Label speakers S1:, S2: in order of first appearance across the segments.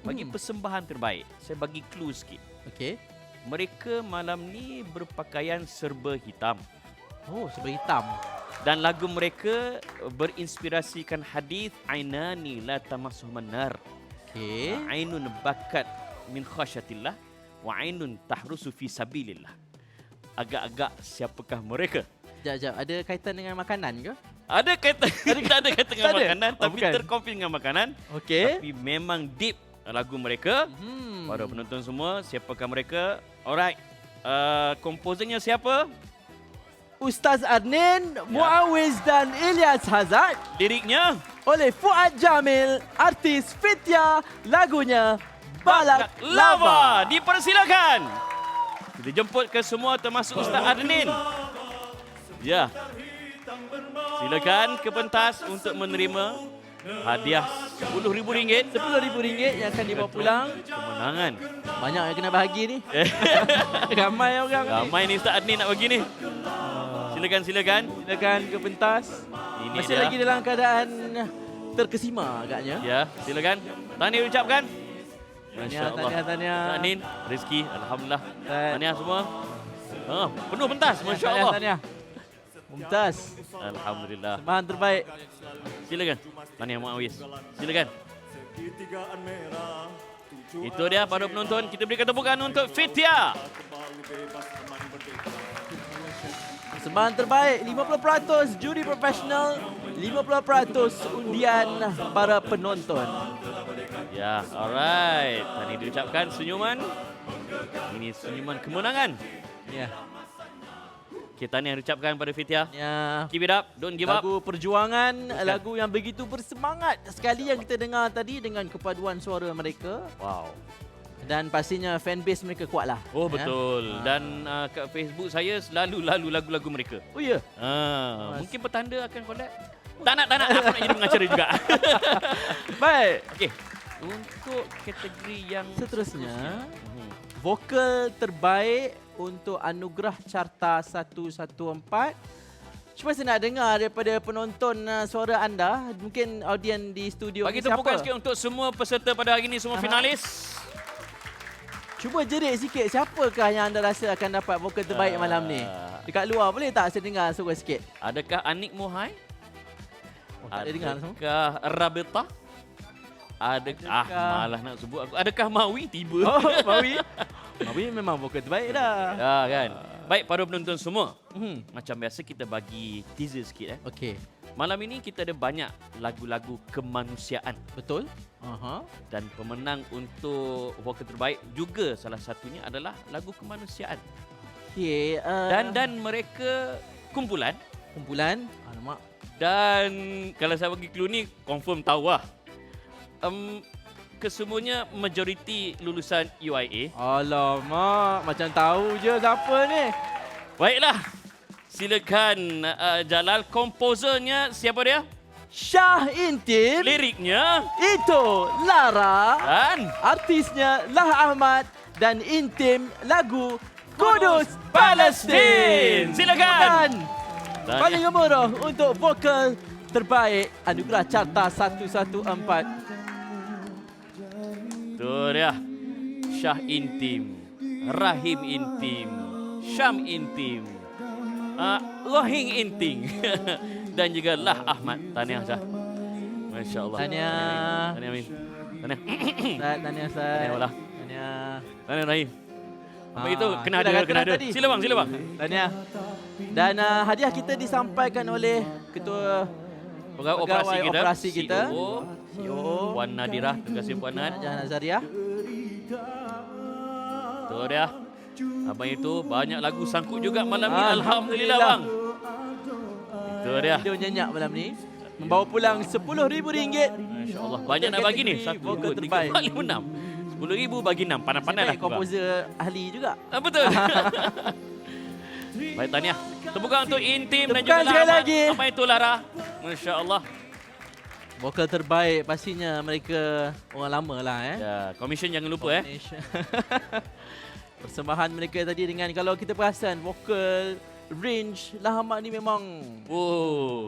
S1: bagi persembahan terbaik. Saya bagi clue sikit.
S2: Okey.
S1: Mereka malam ni berpakaian serba hitam.
S2: Oh, serba hitam.
S1: Dan lagu mereka berinspirasikan hadis ainani la tamassuhun nar.
S2: Okey.
S1: Ainun bakat min khasyatillah wa ainun tahrusu fi sabilillah. Agak-agak siapakah mereka?
S2: Sekejap. Ada kaitan dengan makanan ke?
S1: Ada kaitan, tak ada kaitan dengan
S2: Tak ada?
S1: makanan,
S2: Oh,
S1: tapi
S2: bukan.
S1: terkonfirm dengan makanan.
S2: Okey.
S1: Tapi memang deep lagu mereka. Para penonton semua, siapakah mereka? Alright. Komposernya siapa?
S2: Ustaz Adnin, Muawiz dan Ilyas Hazard.
S1: Liriknya?
S2: Oleh Fuad Jamil, artis Fitya, lagunya Balak Lava.
S1: Dipersilakan. Kita jemput ke semua termasuk Ustaz Adnin. Ya. Silakan ke pentas untuk menerima hadiah RM10,000.
S2: RM10,000 yang akan dibawa pulang.
S1: Kemenangan.
S2: Banyak yang kena bahagi ni. Ramai orang ni.
S1: Ramai ni Ustaz Adnin nak bagi ni. Silakan.
S2: Silakan ke pentas.
S1: Ini
S2: Masih
S1: dia.
S2: lagi dalam keadaan terkesima agaknya.
S1: Ya, silakan. Tahniah ucapkan. Masya Allah.
S2: Tahniah.
S1: Ustaz Adnin, rezeki. Alhamdulillah.
S2: Tahniah.
S1: Tahniah semua. Penuh pentas. Masya Allah.
S2: Tahniah. Mumtaz.
S1: Alhamdulillah.
S2: Sembahan terbaik.
S1: Silakan. Tahniah Muawiz. Silakan. Itu dia para penonton. Kita berikan tepukan untuk Fitya.
S2: Persembahan terbaik 50% juri profesional, 50% undian para penonton.
S1: Ya, alright. Tadi diucapkan senyuman. Ini senyuman kemenangan.
S2: Ya.
S1: Okay, tahniah diucapkan pada Fitya.
S2: Ya.
S1: Keep it up. Don't give up.
S2: Lagu perjuangan, lagu yang begitu bersemangat sekali yang kita dengar tadi dengan kepaduan suara mereka.
S1: Wow.
S2: Dan pastinya fanbase mereka kuatlah.
S1: Oh,
S2: ya.
S1: betul. Dan kat Facebook saya selalu lagu-lagu mereka.
S2: Oh ya.
S1: Mungkin petanda akan collab. Tak nak. Aku nak jadi pengacara juga.
S2: Baik.
S1: Okey. Untuk kategori yang
S2: Seterusnya, vokal terbaik untuk anugerah Carta 114. Cuma saya nak dengar daripada penonton suara anda. Mungkin audien di studio
S1: bagi
S2: ni siapa?
S1: tepukan sikit untuk semua peserta pada hari ini, semua finalis.
S2: Cuba jerit sikit, siapakah yang anda rasa akan dapat vokal terbaik malam ni? Dekat luar boleh tak saya dengar suara sikit?
S1: Adakah Anik Mohai?
S2: Oh, tak boleh dengar semua.
S1: Adakah Rabita? Malah nak sebut aku. Adakah Mawi tiba?
S2: Oh, Mawi. Mawi memang vokal terbaik dah.
S1: Ya kan. Baik para penonton semua. Macam biasa kita bagi teaser sikit.
S2: Okey.
S1: Malam ini kita ada banyak lagu-lagu kemanusiaan.
S2: Betul?
S1: Dan pemenang untuk vokal terbaik juga salah satunya adalah lagu kemanusiaan.
S2: Okey.
S1: Dan mereka kumpulan.
S2: Alamak.
S1: Dan kalau saya bagi clue ni confirm tahu lah. Kesemuanya majoriti lulusan UIA.
S2: Alamak. Macam tahu je siapa ni.
S1: Baiklah. Silakan Jalal. Komposernya siapa dia?
S2: Syah Intim.
S1: Liriknya
S2: Itu Lara.
S1: dan
S2: Artisnya Lah Ahmad. Dan Intim lagu Kudus Palestin.
S1: Silakan.
S2: Paling gemuruh untuk vokal terbaik anugerah Carta 114.
S1: Itu dia. Syah Intim, Rahim Intim, Syam Intim, Rohing Intim dan juga Lah Ahmad. Tahniah Syah. Masya Allah.
S2: Tahniah.
S1: Tahniah Amin. Tahniah.
S2: Tahniah Ustaz.
S1: Tahniah Wala.
S2: Tahniah.
S1: Tahniah Rahim. Apa itu? Kena
S2: kita dah
S1: ada.
S2: kena tadi.
S1: Sila bang.
S2: Tahniah. Dan hadiah kita disampaikan oleh Ketua
S1: Pegawai
S2: operasi kita.
S1: CEO Puan Nadirah. Terima kasih Puan Nad.
S2: Jahan Azariah.
S1: Itu dia. Abang itu banyak lagu sangkut juga malam ni. Alhamdulillah bang. Itu dia.
S2: Video nyenyak malam ni. Membawa pulang RM10,000.
S1: Masya Allah. Banyak nak bagi ni. 1,
S2: Vokal
S1: 2, 3,
S2: terbaik.
S1: 4, 5, 6. RM10,000 bagi 6. Pandai-pandai lah.
S2: Komposer ahli juga.
S1: Betul. Baik, tahniah. Tepukan untuk Intim dan
S2: Tepukan
S1: juga
S2: sekali
S1: Lara.
S2: lagi.
S1: Apa itu Lara? Masya Allah.
S2: Vokal terbaik pastinya mereka orang lama lah
S1: Ya, komisen jangan lupa
S2: Persembahan mereka tadi dengan kalau kita perasan vokal range Lah Ahmad ni memang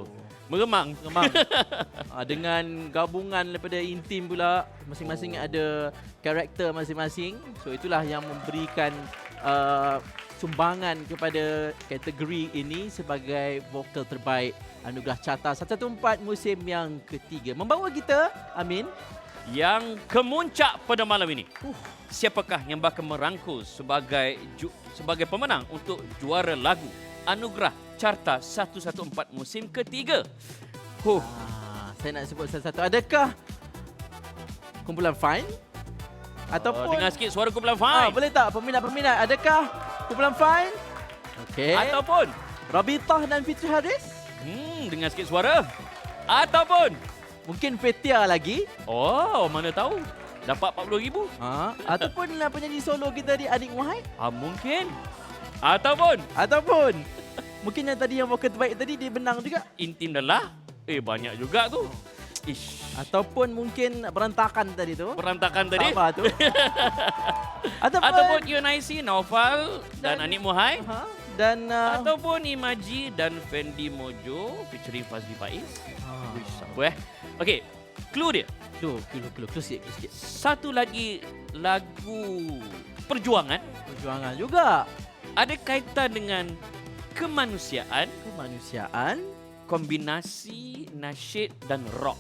S1: Meremang.
S2: Memang. Dengan gabungan daripada intim pula, masing-masing ada karakter masing-masing. So itulah yang memberikan sumbangan kepada kategori ini sebagai vokal terbaik anugerah Carta 114 musim yang ketiga. Membawa kita, Amin,
S1: Yang kemuncak pada malam ini. Siapakah yang bakal merangkul sebagai pemenang untuk juara lagu anugerah Carta 114 musim ketiga?
S2: Saya nak sebut satu-satu. Adakah kumpulan Fine? Ataupun
S1: Dengar sikit suara kumpulan Fine.
S2: boleh tak peminat-peminat, adakah kumpulan Fine? Okey.
S1: Ataupun
S2: Rabitah dan Fitri Haris?
S1: dengar sikit suara. Ataupun
S2: Mungkin Fetia lagi?
S1: mana tahu. Dapat 40,000.
S2: Ataupun penyanyi solo kita di Adik Wahai?
S1: Mungkin. Ataupun
S2: Ataupun mungkin yang tadi yang vokal terbaik tadi dia benang juga?
S1: Intim dah lah. Banyak juga tu. Ish.
S2: Ataupun mungkin berantakan tadi tu?
S1: Berantakan tadi.
S2: Sabar tu.
S1: Ataupun UNIC, Naufal dan Anik Muhai.
S2: Dan
S1: Ataupun Imaji dan Fendi Mojo featuring Fazli Faiz. Wish, siapa Okey, clue dia.
S2: clue sikit.
S1: Satu lagi lagu perjuangan
S2: Perjuangan juga.
S1: ada kaitan dengan kemanusiaan,
S2: Kemanusiaan.
S1: kombinasi nasyid dan rock.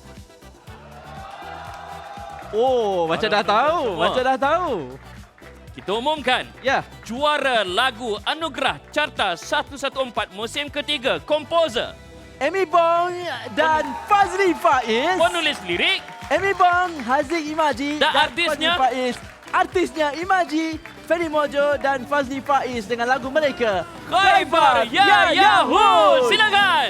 S2: Macam dah tahu.
S1: semua.
S2: Macam dah tahu.
S1: Kita umumkan
S2: Ya.
S1: juara lagu anugerah Carta 114 musim ketiga, komposer,
S2: Amy Bong dan Fazli Faiz.
S1: penulis lirik,
S2: Amy Bong, Haziq Imaji
S1: Dan
S2: dan
S1: artisnya?
S2: Fazli Faiz. Artisnya Imaji, Fendi Mojo dan Fazli Faiz dengan lagu mereka
S1: Khaibar Ya Yahoo. Silakan.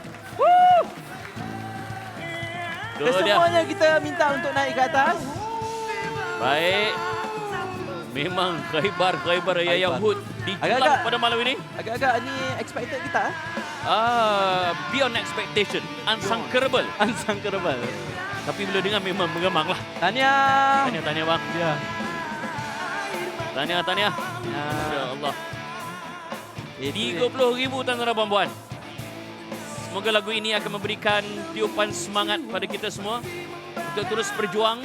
S1: Tu dia.
S2: Kesemuanya kita minta untuk naik ke atas.
S1: Baik. Memang Khaibar Ya Yahoo dijulang
S2: Agak-agak-
S1: pada malam ini.
S2: Agak-agak ni expected kita.
S1: Beyond expectation, unsangkerable.
S2: Unsangkerable.
S1: Tapi bila dengar memang mengemang lah.
S2: Tahniah.
S1: Tahniah bang.
S2: Ya.
S1: Tahniah. Ya Allah.
S2: Itu dia.
S1: 30,000 tuan-tuan dan puan-puan. Semoga lagu ini akan memberikan tiupan semangat pada kita semua untuk terus berjuang.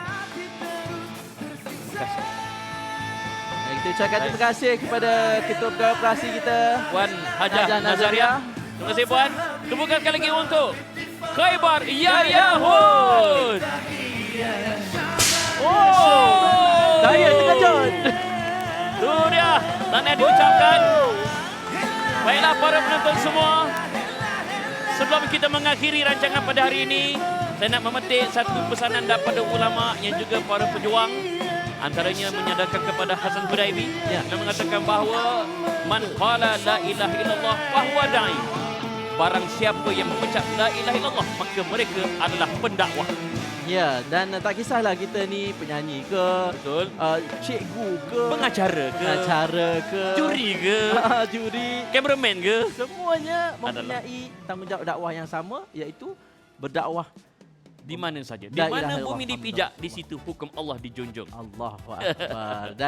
S1: Terima kasih.
S2: Kita ucapkan terima kasih kepada Ketua Pegawai Operasi kita,
S1: Puan Hajah Nazaria. Terima kasih Puan. Tepukan sekali lagi untuk Khaibar Ya Yahoo.
S2: Saya terkejut.
S1: Tu dia. Tahniah diucapkan. Baiklah para penonton semua. Sebelum kita mengakhiri rancangan pada hari ini, saya nak memetik satu pesanan daripada ulama yang juga para pejuang. Antaranya menyadarkan kepada Hasan Hudaibi dan mengatakan bahawa man qala la ilaha illallah fahuwa da'i. Barang siapa yang mengucap la ilaha illallah maka mereka adalah pendakwah.
S2: Ya, dan tak kisahlah kita ni penyanyi ke,
S1: Betul.
S2: cikgu ke,
S1: Pengacara ke?
S2: pengacara ke,
S1: Juri ke?
S2: juri,
S1: Cameraman ke?
S2: semuanya
S1: Adalah.
S2: mempunyai tanggungjawab dakwah yang sama, iaitu berdakwah.
S1: Di mana saja. Di
S2: La ilaha
S1: mana
S2: illallah
S1: bumi
S2: Muhammadur
S1: dipijak, di
S2: Rasulullah.
S1: situ hukum Allah dijunjung.
S2: Allahu Akbar.